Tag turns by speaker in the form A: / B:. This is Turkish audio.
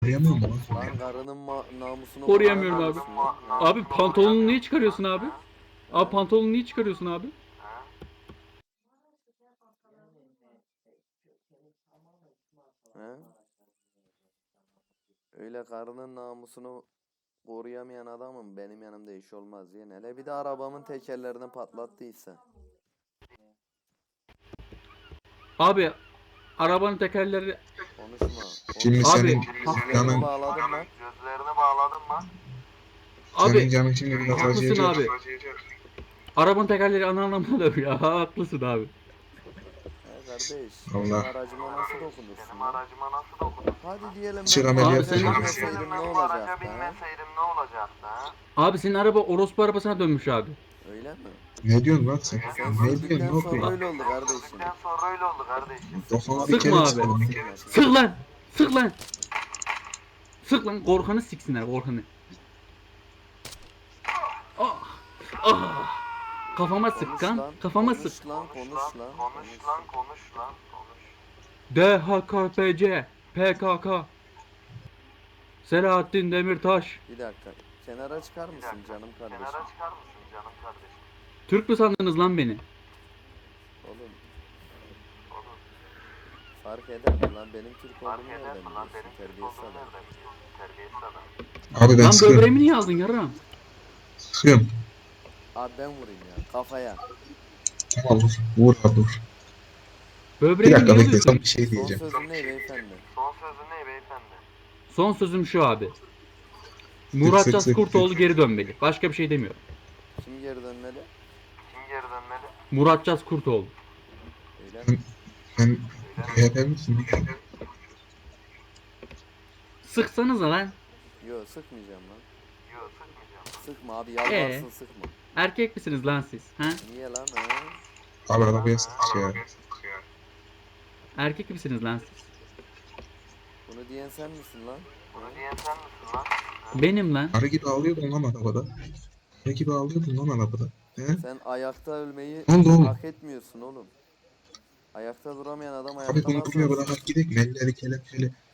A: Koruyamıyor mu lan seni?
B: Lan karının namusunu
C: Koruyamıyorum
B: koruyan
C: abi.
B: adamsın lan. Ha?
C: Abi pantolonunu niye çıkarıyorsun abi? Abi
B: Ha?
C: pantolonunu niye çıkarıyorsun abi?
B: Ha? Öyle karının namusunu koruyamayan adamım benim yanımda iş olmaz ya. Hele bir de arabamın tekerlerini patlattıysa.
C: Abi arabanın tekerleri...
B: Konuşma.
A: Şimdi
B: Konuşma.
C: Abi,
A: senin
B: Gözlerini
A: canın,
B: bağladın mı?
A: senin
C: Abi
A: canın şimdi biraz
C: haklısın
A: acıyacak.
C: abi. Arabanın tekerleri ana anlamına dönüyor ya. Haklısın abi.
B: He kardeş, benim
A: Allah.
B: aracıma nasıl dokunursun lan? Hadi diyelim
A: Çık
B: ben bu
A: ameliyat
B: araca
C: senin-
B: binmeseydim ne olacaktı ha?
C: Abi senin araba orospu arabasına dönmüş abi.
B: Öyle mi?
A: Ne diyorsun lan sen?
B: Sen
A: Ne diyorsun?
B: sürdükten
A: Ne
B: sonra
A: yapıyorsun?
B: öyle oldu kardeşim.
A: Kafana bir
C: Sıkma
A: kere
C: abi.
A: sıkalım.
C: Sık lan! Sık lan! Sık lan! Korkan'ı siksinler Korkan'ı. Ah! Ah! Kafama sık
B: Konuş
C: kan.
B: lan,
C: Kafama
B: konuş
C: sık.
B: lan, konuş lan.
C: DHKPC PKK Selahattin Demirtaş.
B: Bir dakika, kenara çıkar mısın canım kardeşim?
C: Türk mü sandınız lan beni?
B: Oğlum, fark eder mi lan benim Türk olduğumu nereden biliyorsun? Terbiyesiz adam.
A: Abi ben
C: Lan
A: sıkıyorum.
C: böbreğimi niye aldın yarram?
A: Sıkıyorum.
B: Abi ben vurayım ya, kafaya.
A: Tamam vur. Vur abi vur. Bir
C: Böbreğimi
A: dakika
C: niye
A: bekle sana
C: alıyorsun?
A: bir şey
B: Son
A: diyeceğim.
B: sözün ne beyefendi?
C: Son sözüm şu abi.
A: Sık
C: Murat
A: sık
C: Cas
A: sık.
C: Kurtoğlu geri dönmeli. Başka bir şey demiyorum.
B: Kim geri dönmeli?
C: Murat Cas Kurtoğlu.
B: Öyle mi?
A: Sen PHP misin?
C: Sıksanıza lan.
B: Yo sıkmayacağım lan. Sıkma abi yalvarsın sıkma.
C: Erkek misiniz lan siz? Ha?
B: Niye lan ha?
A: Abi arabaya sık ya.
C: Erkek misiniz lan siz?
B: Bunu diyen sen misin lan?
C: Benim lan.
A: Arı gibi ağlıyordun lan arabada. Arı gibi ağlıyordun lan arabada. He?
B: Sen ayakta ölmeyi
A: Ne oldu oğlum?
B: hak etmiyorsun oğlum. Ayakta duramayan adam
A: Abi
B: ayakta
A: bunu
B: nasıl
A: buraya
B: ölsün?
A: bırakıp gidelim. Elleri kelepçeli.